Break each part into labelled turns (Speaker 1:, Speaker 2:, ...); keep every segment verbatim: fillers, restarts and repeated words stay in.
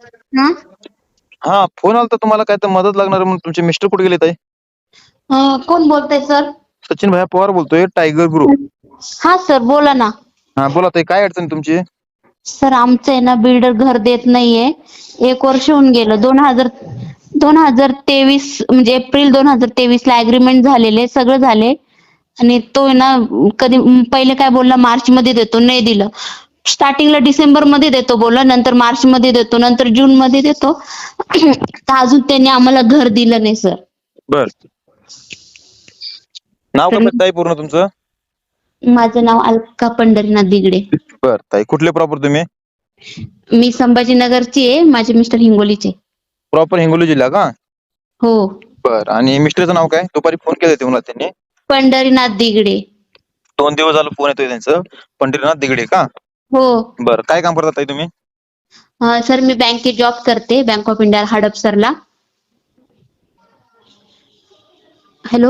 Speaker 1: हा
Speaker 2: हा फोन आला तर तुम्हाला काय तर मदत लागणार आहे म्हणून. तुमचे मिस्टर कुठे गेले ताई?
Speaker 1: अं, कोण बोलतंय सर?
Speaker 2: सचिन भैया पवार बोलतोय, टायगर ग्रुप.
Speaker 1: हा सर बोला ना.
Speaker 2: हा बोला ताई, काय अडचण तुमची?
Speaker 1: सर आमचं आहे ना, बिल्डर घर देत नाहीये. एक वर्ष होऊन गेलं. दोन हजार दोन हजार तेवीस म्हणजे एप्रिल दोन हजार तेवीस ला अग्रीमेंट झालेले, सगळं झाले आणि तो आहे ना कधी पहिले काय बोलला मार्च मध्ये देतो, नाही दिलं. स्टार्टिंगला डिसेंबर मध्ये देतो बोलला, नंतर मार्च मध्ये देतो, नंतर जून मध्ये देतो. तर अजून त्यांनी आम्हाला घर दिलं नाही सर.
Speaker 2: बर, नाव
Speaker 1: तर
Speaker 2: काय ताई पूर्ण तुमचं?
Speaker 1: माझं नाव अलका पंढरीनाथ दिगडे.
Speaker 2: बर ताई, कुठले प्रॉपर तुम्ही?
Speaker 1: मी संभाजीनगरची आहे, माझे मिस्टर हिंगोलीचे.
Speaker 2: प्रॉपर हिंगोली जिल्हा का?
Speaker 1: हो.
Speaker 2: बर, आणि मिस्टरचं नाव काय? दुपारी फोन केले होते मला त्यांनी.
Speaker 1: पंढरीनाथ दिगडे.
Speaker 2: दोन दिवस झालं फोन येतोय त्यांचं. पंढरीनाथ दिगडे का?
Speaker 1: हो.
Speaker 2: बर, काय काम करता ताई तुम्ही?
Speaker 1: अं, सर मी बँकेत जॉब करते, बँक ऑफ इंडिया हडपसरला. हॅलो.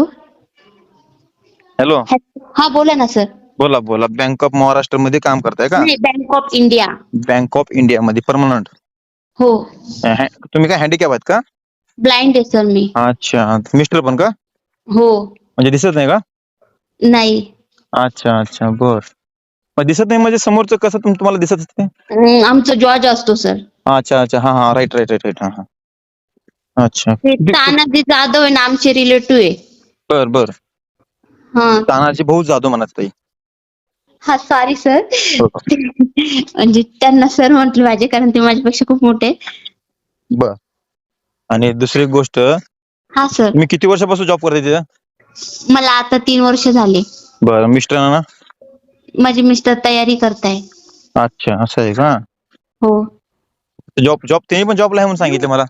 Speaker 2: हॅलो.
Speaker 1: हा बोला ना सर.
Speaker 2: बोला बोला, बँक ऑफ महाराष्ट्र मध्ये काम करताय का?
Speaker 1: नाही, Bank of India.
Speaker 2: Bank of India मध्ये परमनंट.
Speaker 1: हो.
Speaker 2: तुम्ही काय हँडिकॅप आहेत का?
Speaker 1: ब्लाइंड आहे सर मी.
Speaker 2: अच्छा, मिस्टर पण का?
Speaker 1: हो.
Speaker 2: म्हणजे दिसत नाही का?
Speaker 1: नाही.
Speaker 2: अच्छा अच्छा, बर. मग दिसत नाही म्हणजे समोरचं कसं तुम- तुम्हाला दिसत असते?
Speaker 1: अं, आमचा जॉर्ज असतो सर.
Speaker 2: अच्छा अच्छा, हा हा, राईट राईट राईट राईट, हा हा. अच्छा,
Speaker 1: ते तानाजी जाधव आहे ना, आमचे रिलेटिव्ह आहे.
Speaker 2: बर बर.
Speaker 1: हा.
Speaker 2: तानाजी भाऊ जाधव म्हणत ताई.
Speaker 1: हा सॉरी सर.
Speaker 2: हो.
Speaker 1: म्हणजे त्यांना सर म्हटलं पाहिजे, कारण ते माझ्यापेक्षा खूप मोठे आहेत.
Speaker 2: बर, आणि दुसरी गोष्ट,
Speaker 1: हा सर.
Speaker 2: तुम्ही किती वर्षापासून जॉब करताय तिथं?
Speaker 1: मला आता तीन वर्ष झाले.
Speaker 2: बर, मिस्टरांना?
Speaker 1: माझे मिस्टर तयारी करताय.
Speaker 2: अच्छा, असं आहे का?
Speaker 1: हो.
Speaker 2: जॉब जॉब त्यांनी पण जॉबला आहे म्हणून सांगितलं मला.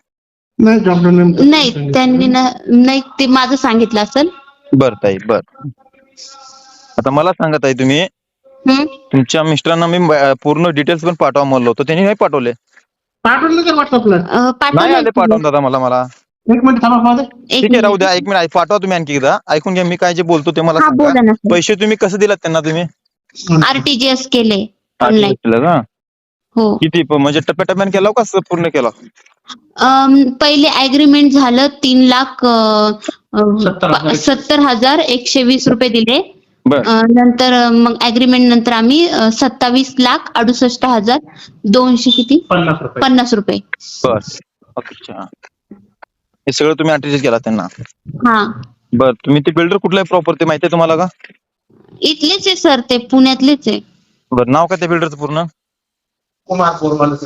Speaker 1: नाही, त्यांनी ना नाही, ते माझं सांगितलं असेल.
Speaker 2: बर ताई, बर. आता मला सांगा ताई, तुम्ही
Speaker 1: हम्म.
Speaker 2: तुमच्या मिस्टरांना मी ब- पूर्ण डिटेल्स पण पाठवा म्हणलो होतो, त्यांनी नाही पाठवले.
Speaker 3: पाठवलं का व्हॉट्सअपला?
Speaker 1: अं,
Speaker 2: नाही
Speaker 1: पाठवलंय
Speaker 2: आले
Speaker 1: की.
Speaker 2: पाठवून दादा मला मला.
Speaker 3: एक मिनिट थांबा माझं.
Speaker 1: एक
Speaker 2: ठीक आहे, राहू
Speaker 1: मिनिट.
Speaker 2: द्या. एक मिनिट पाठवा तुम्ही आणखी एकदा. ऐकून घ्या, मी काय जे बोलतो ते मला
Speaker 1: हा
Speaker 2: सांगा.
Speaker 1: बोला ना सर.
Speaker 2: पैसे तुम्ही कसं दिलात त्यांना तुम्ही?
Speaker 1: आरटीजीएस केले
Speaker 2: हा,
Speaker 1: ऑनलाईन.
Speaker 2: ठीक केलं का?
Speaker 1: हो.
Speaker 2: किती प- म्हणजे टप्प्याटप्प्याने केला का असं पूर्ण केला?
Speaker 1: अम, पहिले अग्रीमेंट झालं तीन लाख अं, अं,
Speaker 3: सत्तर हजार.
Speaker 1: सत्तर हजार एकशे वीस रुपये दिले.
Speaker 2: बर
Speaker 1: अं, नंतर अं, मग अग्रीमेंट नंतर आम्ही अं, सत्तावीस लाख अडुसष्ट हजार दोनशे किती
Speaker 3: पन्नास रुपये.
Speaker 1: पन्नास रुपये.
Speaker 2: बर, अच्छा. हे सगळं तुम्ही अटेच केला त्यांना?
Speaker 1: हा.
Speaker 2: बर, तुम्ही ते बिल्डर कुठला आहे प्रॉपर ते माहिती आहे तुम्हाला का?
Speaker 1: इथलेच आहे सर, ते पुण्यातलेच आहे.
Speaker 2: बर, नाव काय त्या बिल्डरचं पूर्ण?
Speaker 3: कुमार पोरवाले.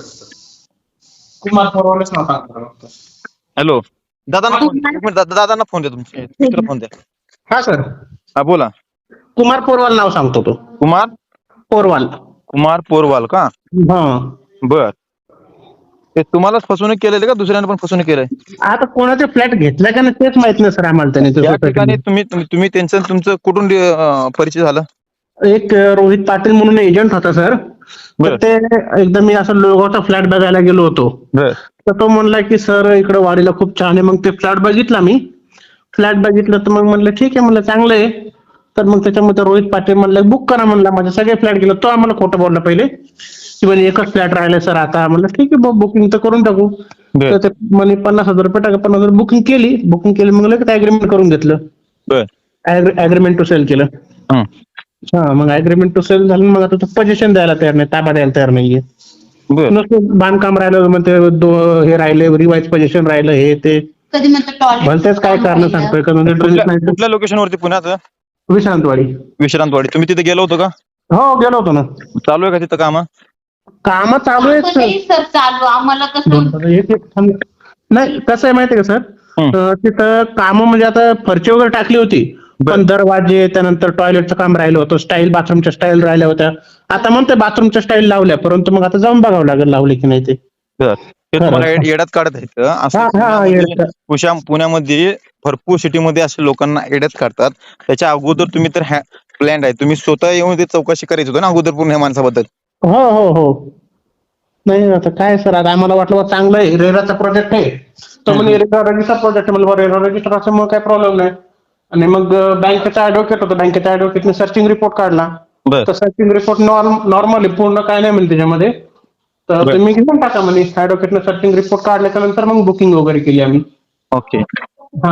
Speaker 3: कुमार पोरवालेच नाव सांगतो फक्त.
Speaker 2: हॅलो, दादांना फोन द्या. एक मिनिट, दादा- दादांना फोन द्या, तुमच्या मित्र फोन द्या.
Speaker 3: हा सर,
Speaker 2: हा बोला.
Speaker 3: कुमार पोरवाल नाव सांगतो तो.
Speaker 2: कुमार
Speaker 3: पोरवाल.
Speaker 2: कुमार पोरवाल का?
Speaker 3: हा.
Speaker 2: बर, ते तुम्हालाच फसवणूक केलेली का दुसऱ्याने पण फसवणूक केलंय?
Speaker 3: आता कोणाचा फ्लॅट घेतला का नाही तेच माहित नाही सर आम्हाला. त्याने
Speaker 2: त्या ठिकाणी तुम्ही तुम्ही तुम्ही त्यांचं तुमचं कुठून अं, परिचय झाला?
Speaker 3: एक अं, रोहित पाटील म्हणून एजंट होता सर. तर
Speaker 2: बर
Speaker 3: ते एकदा मी असं लोगावचा फ्लॅट बघायला गेलो होतो.
Speaker 2: बर
Speaker 3: तर तो म्हणला की सर इकडे वाडीला खूप छान आहे. मग ते फ्लॅट बघितला मी. फ्लॅट बघितलं तर मग म्हणलं ठीक आहे, म्हणलं चांगलं आहे. तर मग त्याच्यामध्ये रोहित पाटील म्हणलं बुक करा, म्हणला माझे सगळे फ्लॅट गेलो. तो आम्हाला खोटं बोलला पहिले की म्हणजे एकच फ्लॅट राहिलाय सर आता. म्हणलं ठीक आहे, बुकिंग तर करून टाकू.
Speaker 2: बर
Speaker 3: तर ते म्हणे पन्नास हजार रुपये टाका. पन्नास हजार बुकिंग केली. बुकिंग केली मग लगेच अग्रीमेंट करून घेतलं.
Speaker 2: बर
Speaker 3: अग्रीमेंट टू सेल केलं.
Speaker 2: हं.
Speaker 3: हा, मग अग्रीमेंट टू सेल झालं. मग आता तो पोझिशन द्यायला तयार नाही, ताबा द्यायला तयार नाहीये.
Speaker 2: बर
Speaker 3: नुसतं बांधकाम राहिलं म्हणते, दो- हे राहिले रिवाइज पोझिशन राहिलं, हे ते
Speaker 1: कधी म्हणतात टॉयलेट.
Speaker 3: भलतेच काय कारण सांगतोय का म्हणजे
Speaker 2: कुठल्या
Speaker 3: नाही.
Speaker 2: कुठल्या लोकेशन वरती पुण्यात?
Speaker 3: विश्रांतवाडी.
Speaker 2: विश्रांतवाडी. तुम्ही तिथे गेलो होतो का?
Speaker 3: हो गेलो होतो ना.
Speaker 2: चालू आहे का तिथं काम?
Speaker 3: काम चालू आहेत सर.
Speaker 1: नाही सर चालू, आम्हाला कसं
Speaker 3: दोन- एक- एक थांब. नाही कसं आहे माहितीये का सर,
Speaker 2: हं.
Speaker 3: अं, तिथं काम म्हणजे आता फरची वगैरे टाकली होती,
Speaker 2: बर.
Speaker 3: पण दरवाजे त्यानंतर टॉयलेटचं काम राहिलं होतं, स्टाईल बाथरूमच्या स्टाईल राहिल्या होत्या. आता म्हणते बाथरूमच्या स्टाईल लावल्या, परंतु मग आता जाऊन बघावं लागेल लावले की नाही ते.
Speaker 2: बर, ते तुम्हाला येड- येड्यात काढत आहेत असं.
Speaker 3: हा हा
Speaker 2: पुण्यामध्ये-
Speaker 3: येडत.
Speaker 2: पुशा- पुण्यामध्ये भरपूर सिटीमध्ये असे लोकांना येड्यात काढतात. त्याच्या अगोदर तुम्ही तर प्लॅन आहे, तुम्ही स्वतः येऊन ते चौकशी करायची होती ना अगोदर पूर्ण ह्या माणसाबद्दल.
Speaker 3: हो हो हो. नाही आता काय सर, आता आम्हाला वाटलं बा चांगलं आहे, रेराचा प्रोजेक्ट आहे. तो म्हणजे रेरा रजिस्टर प्रोजेक्ट आहे, म्हणजे रेरा रजिस्टर असल्यामुळे काही प्रॉब्लेम नाही. आणि मग बँकेचा ऍडव्होकेट होता, बँकेच्या ऍडव्होकेटने सर्चिंग रिपोर्ट काढला.
Speaker 2: बर
Speaker 3: तर सर्चिंग रिपोर्ट नॉर्मल आहे, पूर्ण काय नाही म्हणजे त्याच्यामध्ये. तर
Speaker 2: बर.
Speaker 3: तुम्ही घेऊन टाका म्हणे. ऍडव्होकेटनं सर्चिंग रिपोर्ट काढल्याच्या नंतर मग बुकिंग वगैरे केली आम्ही.
Speaker 2: ओके.
Speaker 3: हा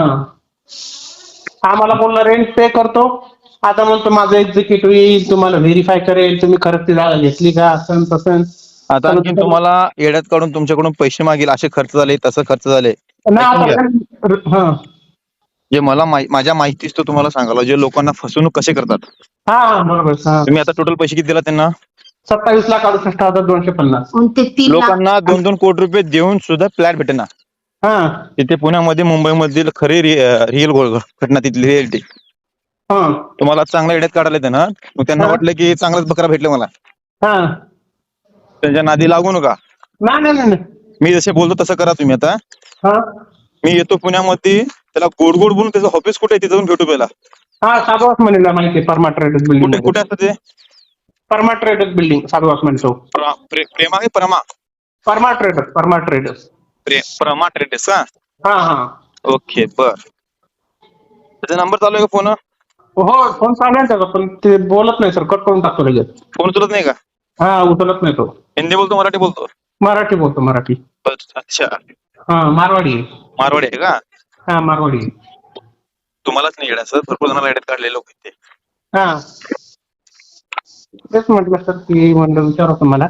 Speaker 3: आम्हाला बोलला रेंट पे करतो. आता म्हणतो माझं एक्झिक्युटिव्ह येईल, तुम्हाला व्हेरीफाय करेल, तुम्ही खरंच ती जागा घेतली का, असं तसं.
Speaker 2: आता आणखी तुम्हाला येड्यात काढून तुमच्याकडून पैसे मागेल, असे खर्च झाले, तसं खर्च झाले.
Speaker 3: नाही
Speaker 2: ऐकून घ्या.
Speaker 3: आता हा
Speaker 2: जे मला माहि- माझ्या माहितीच तो तुम्हाला सांगायला, जे लोकांना फसवणूक कसे करतात.
Speaker 3: हा बरोबर. हा
Speaker 2: तुम्ही आता टोटल पैसे किती दिला त्यांना?
Speaker 3: सत्तावीस लाख अडुसष्ट हजार दोनशे पन्नास.
Speaker 1: आणि ते तीन लाख
Speaker 2: लोकांना दोन दोन कोटी रुपये देऊन सुद्धा फ्लॅट भेटेना.
Speaker 3: हा
Speaker 2: तिथे पुण्यामध्ये मुंबईमधील खरी रिअल घटना तिथली रिअलिटी.
Speaker 3: हा
Speaker 2: तुम्हाला चांगला येड्यात काढायला येते ना, मग त्यांना
Speaker 3: हा.
Speaker 2: वाटलं की चांगलाच बकरा भेटले मला,
Speaker 3: हा
Speaker 2: त्यांच्या नादी लागू नका.
Speaker 3: नाही नाही नाही नाही.
Speaker 2: मी जसे बोलतो तसं करा तुम्ही. आता
Speaker 3: हा
Speaker 2: मी येतो पुण्यामध्ये, त्याला गोड गोड बोलून त्याचं ऑफिस कुठे आहे तिथे जाऊन भेटू पहिला.
Speaker 3: हा साधुवास म्हणेला माहिती आहे. परमा ट्रेडर्स बिल्डिंग
Speaker 2: कुठे कुठे असतं ते?
Speaker 3: परमा ट्रेडर्स बिल्डिंग साधुवास म्हणतो.
Speaker 2: प्र- प्रे- प्रेमा की परमा?
Speaker 3: परमा ट्रेडर्स परमा ट्रेडर्स.
Speaker 2: प्रे- परमा ट्रेडर्स का?
Speaker 3: हा हा
Speaker 2: ओके बर. त्याचा नंबर चालू आहे का फोन?
Speaker 3: हो फोन चालू आहे त्याचा, पण ते बोलत नाही सर, कट करून टाकतो लगेच.
Speaker 2: फोन उचलत नाही का?
Speaker 3: हा उचलत नाही तो.
Speaker 2: हिंदी बोलतो मराठी बोलतो?
Speaker 3: मराठी बोलतो मराठी.
Speaker 2: अच्छा,
Speaker 3: हा मारवाडी आहे.
Speaker 2: मारवाडी आहे का?
Speaker 3: हा मारवाडी आहे.
Speaker 2: तुम्हालाच नाही येड्याचं, भरपूर जणांना येड्यात काढलेले लोक आहेत ते.
Speaker 3: हा तेच म्हटलं सर की म्हणलं विचारा तुम्हाला.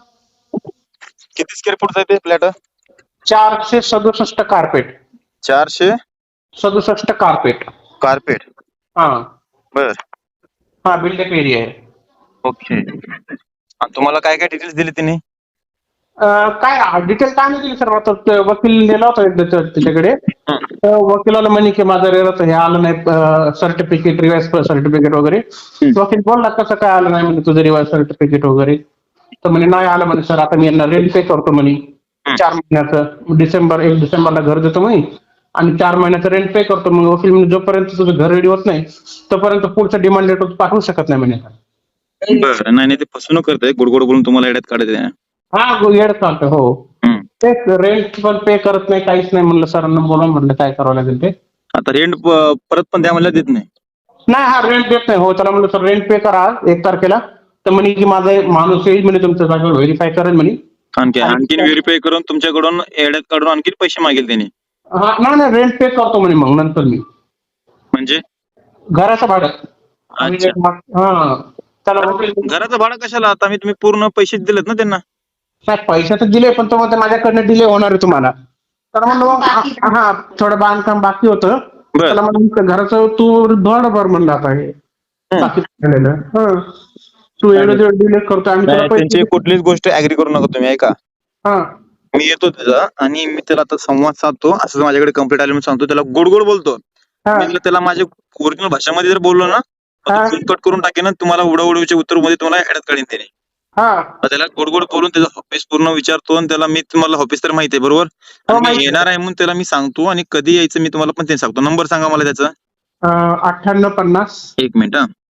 Speaker 2: किती स्क्वेअर फूटचा आहे ते फ्लॅट?
Speaker 3: चारशे सदुसष्ट कार्पेट.
Speaker 2: चारशे
Speaker 3: सदुसष्ट कार्पेट.
Speaker 2: कार्पेट.
Speaker 3: हा
Speaker 2: बर.
Speaker 3: हा बिल्डेक एरिया आहे.
Speaker 2: ओके. आणि तुम्हाला काय काय डिटेल्स दिले त्यांनी?
Speaker 3: अं, काय डिटेल काय नाही दिली सर. आता ते वकील दिला होता एकदा त्या- त्याच्याकडे.
Speaker 2: हं.
Speaker 3: तर वकिलाला म्हणे की माझं रेराचं हे आलं नाही सर्टिफिकेट, रिवाइज सर्टिफिकेट वगैरे.
Speaker 2: हं.
Speaker 3: वकील बोलला कसं काय आलं नाही म्हणे तुझं रिवाइज सर्टिफिकेट वगैरे. तर म्हणे नाही आलं म्हणे सर, आता मी यांना रेंट पे करतो म्हणे
Speaker 2: हं.
Speaker 3: चार महिन्याचं. डिसेंबर एक डिसेंबरला घर देतो म्हणे आणि चार महिन्याचं रेंट पे करतो. मग वकील म्हणे जोपर्यंत तुझं घर रेडी होत नाही तोपर्यंत पुढचं डिमांड लेटर पाठवू शकत नाही म्हणे.
Speaker 2: बरं. नाही नाही, ते फसवणूक करताय, गोड गोड बोलून तुम्हाला येड्यात काढत आहे.
Speaker 3: हा येड चालतं हो.
Speaker 2: हं.
Speaker 3: तेच रेंट पण पे करत नाही, काहीच नाही. म्हणलं सरांना बोला, म्हणलं काय करावं लागेल ते.
Speaker 2: आता रेंट परत पण द्या म्हणलं देत नाही.
Speaker 3: नाही हा रेंट देत नाही. हो त्याला म्हणलं सर रेंट पे करा एक तारखेला. तर म्हणे की माझा एक माणूस येईल म्हणे तुमच्या जागेवर व्हेरीफाय करेल म्हणे.
Speaker 2: आणखी आणखीन व्हेरीफाय करून तुमच्याकडून येड्यात काढून आणखी पैसे मागेल त्यांनी.
Speaker 3: हा नाही नाही रेंट पे करतो म्हणे मग नंतर मी
Speaker 2: म्हणजे
Speaker 3: घराचं भाडं. आणि
Speaker 2: अच्छा.
Speaker 3: एक मा- हा त्याला वकील-
Speaker 2: घराचं भाडं कशाला? आता मी तुम्ही पूर्ण पैसे दिलेत ना त्यांना.
Speaker 3: नाही पैसे तर दिले, पण तो म्हणतो माझ्याकडनं डिले होणार आहे तुम्हाला. तर म्हणलं मग हा हा, थोडं बांधकाम बाकी होतं.
Speaker 2: बरं.
Speaker 3: त्याला म्हणलं घराचं तू धड भर म्हणलं आता हे
Speaker 2: हं.
Speaker 3: बाकी राहिलेलं. हं. तू एवढे दिवस डिले करतो आम्ही तुला
Speaker 2: नाही, त्यांची
Speaker 3: पैसे.
Speaker 2: कुठलीच गोष्ट ऍग्री करू नका तुम्ही. ऐका,
Speaker 3: हा
Speaker 2: मी येतो त्याचा आणि मी त्याला आता संवाद साधतो. असं माझ्याकडे कंप्लीट आले म्हणून सांगतो, त्याला गोड गोड बोलतो.
Speaker 3: हा
Speaker 2: मी त्याला माझ्या ओरिजिनल भाषामध्ये जर बोललो ना,
Speaker 3: हा.
Speaker 2: कट करून टाकेन, तुम्हाला उडवडवीच्या उत्तर मध्ये तुम्हाला येड्यात काढीन त्याने.
Speaker 3: हा
Speaker 2: तर त्याला गोड गोड बोलून त्याचं ऑफिस पूर्ण विचारतो आणि त्याला मी तुम्हाला ऑफिस तर माहिती आहे बरोबर.
Speaker 3: हो,
Speaker 2: आणि मी
Speaker 3: माहिती आहे.
Speaker 2: येणार आहे म्हणून त्याला मी सांगतो आणि कधी यायचं मी तुम्हाला पण ते सांगतो. नंबर सांगा मला त्याचा.
Speaker 3: अं, अठ्ठ्याण्णव पन्नास
Speaker 2: एक मिनिट. हा,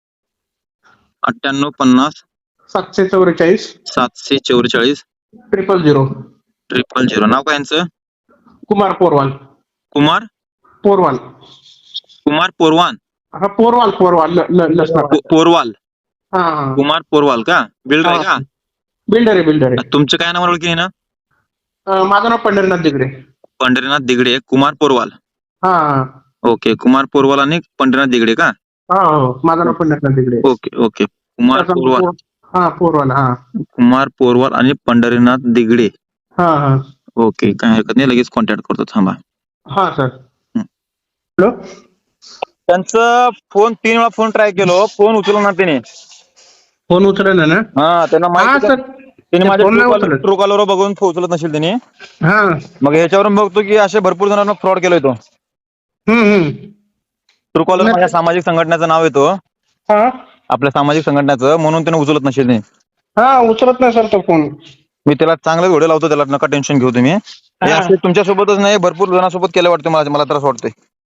Speaker 2: अठ्ठ्याण्णव पन्नास
Speaker 3: सातशे चौवेचाळीस
Speaker 2: सातशे चौवेचाळीस
Speaker 3: ट्रिपल झिरो.
Speaker 2: Triple zero. नाव काय यांचं?
Speaker 3: कुमार पोरवाल.
Speaker 2: कुमार
Speaker 3: पोरवाल.
Speaker 2: कुमार पोरवान.
Speaker 3: हा पोरवाल पोरवाल ल- ल- लसणार.
Speaker 2: पो- पोरवाल.
Speaker 3: हा हा
Speaker 2: कुमार पोरवाल का? बिल्डर आहे का?
Speaker 3: बिल्डर आहे बिल्डर आहे.
Speaker 2: तुमचं काय नाव ओळखी आहे ना?
Speaker 3: अं, माझं नाव पंढरीनाथ दिगडे.
Speaker 2: पंढरीनाथ दिगडे. कुमार पोरवाल.
Speaker 3: हा हा
Speaker 2: ओके. कुमार पोरवाल आणि पंढरीनाथ दिगडे का?
Speaker 3: हा हो माझं नाव पंढरीनाथ दिगडे.
Speaker 2: Okay okay. कुमार
Speaker 3: त्याचा
Speaker 2: पोरवाल.
Speaker 3: पोर- हा पोरवाल. हा
Speaker 2: कुमार पोरवाल आणि पंढरीनाथ दिगडे.
Speaker 3: हा हा
Speaker 2: ओके. काय हरकत नाही, लगेच कॉन्टॅक्ट करतो. थांबा.
Speaker 3: हा सर.
Speaker 2: हं.
Speaker 3: हॅलो.
Speaker 2: त्यांचं फोन तीन वेळा फोन ट्राय केलो, फोन उचलला ना त्याने.
Speaker 3: फोन उचलला ना.
Speaker 2: हा, त्यांना
Speaker 3: हा
Speaker 2: माहिती
Speaker 3: सर.
Speaker 2: त्यांनी माझ्या
Speaker 3: फोन नाही उचलत.
Speaker 2: ट्रू कॉलर बघून फोन उचलत नसेल त्यांनी.
Speaker 3: हा
Speaker 2: मग ह्याच्यावरून बघतो की असे भरपूर जणांना फ्रॉड केलोय तो.
Speaker 3: हम्म हम्म
Speaker 2: ट्रू कॉलर माझ्या सामाजिक संघटनेचं नाव येतो,
Speaker 3: हा
Speaker 2: आपल्या सामाजिक संघटनेचं, म्हणून त्याने उचलत नसेल नाही.
Speaker 3: हा उचलत नाही सर तो फोन.
Speaker 2: मी त्याला चांगलं घोडे लावतो, त्याला नका टेन्शन घेऊ तुम्ही. हे
Speaker 3: हा.
Speaker 2: असे तुमच्यासोबतच नाही, भरपूर जणांसोबत केलं वाटतं मला, मला त्रास वाटतोय.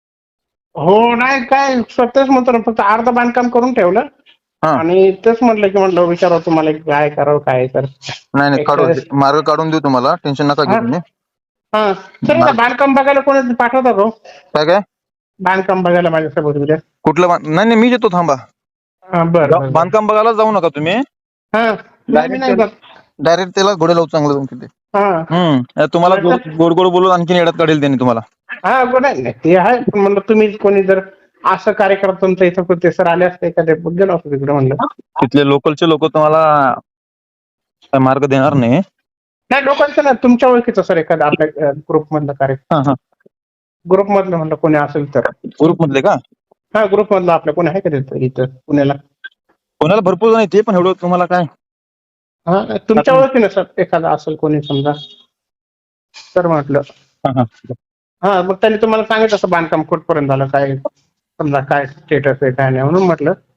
Speaker 3: हो नाही काय तेच म्हणतो ना, फक्त अर्ध बांधकाम करून ठेवलं
Speaker 2: हा.
Speaker 3: आणि तेच म्हटलं की म्हटलं विचारावं तुम्हाला की काय करावं काय तर.
Speaker 2: नाही नाही, काढून मार्ग काढून देऊ तुम्हाला, टेन्शन नका घेऊ तुम्ही.
Speaker 3: हा सर मला बांधकाम बघायला कोणी पाठवता का?
Speaker 2: काय काय
Speaker 3: बांधकाम बघायला माझ्यासोबत उद्या.
Speaker 2: कुठलं बांध- नाही नाही, मी येतो, थांबा.
Speaker 3: हा बरं बरं.
Speaker 2: बांधकाम बघायला जाऊ नका तुम्ही.
Speaker 3: हा नाही मी नाही बघ
Speaker 2: डायरेक्ट त्याला घोडे लावू चांगलं जाऊन तिथे.
Speaker 3: हा
Speaker 2: हम्म तुम्हाला गोड गोड गोड बोलून आणखीन येड्यात काढेल त्यांनी तुम्हाला.
Speaker 3: हा गोड आहे ते आहे, पण म्हणलं तुम्ही कोणी जर असं कार्य करत तुमच्या इथं कुठे सर आले असते एखाद्या गेलो असतो तिकडे म्हणलं.
Speaker 2: तिथले लोकलचे लोक तुम्हाला काय मार्ग देणार नाही.
Speaker 3: नाही लोकांचं ना तुमच्या ओळखीचं सर एखादा आपल्या ग्रुप मधलं कार्य
Speaker 2: हा हा
Speaker 3: ग्रुप मधलं म्हणलं कोणी असेल तर.
Speaker 2: ग्रुप मधले का?
Speaker 3: हा ग्रुप मधलं आपल्या कोणी आहे का तिथं इथं पुण्याला?
Speaker 2: कोणाला भरपूर जण येते पण एवढं तुम्हाला काय.
Speaker 3: हा तुमच्या ओळखीनं सर एखादा असेल कोणी समजा तर म्हटलं.
Speaker 2: हा, हा.
Speaker 3: हा मग त्यांनी तुम्हाला सांगितलं असं बांधकाम कुठपर्यंत झालं काय समजा काय स्टेटस आहे काय नाही म्हणून म्हटलं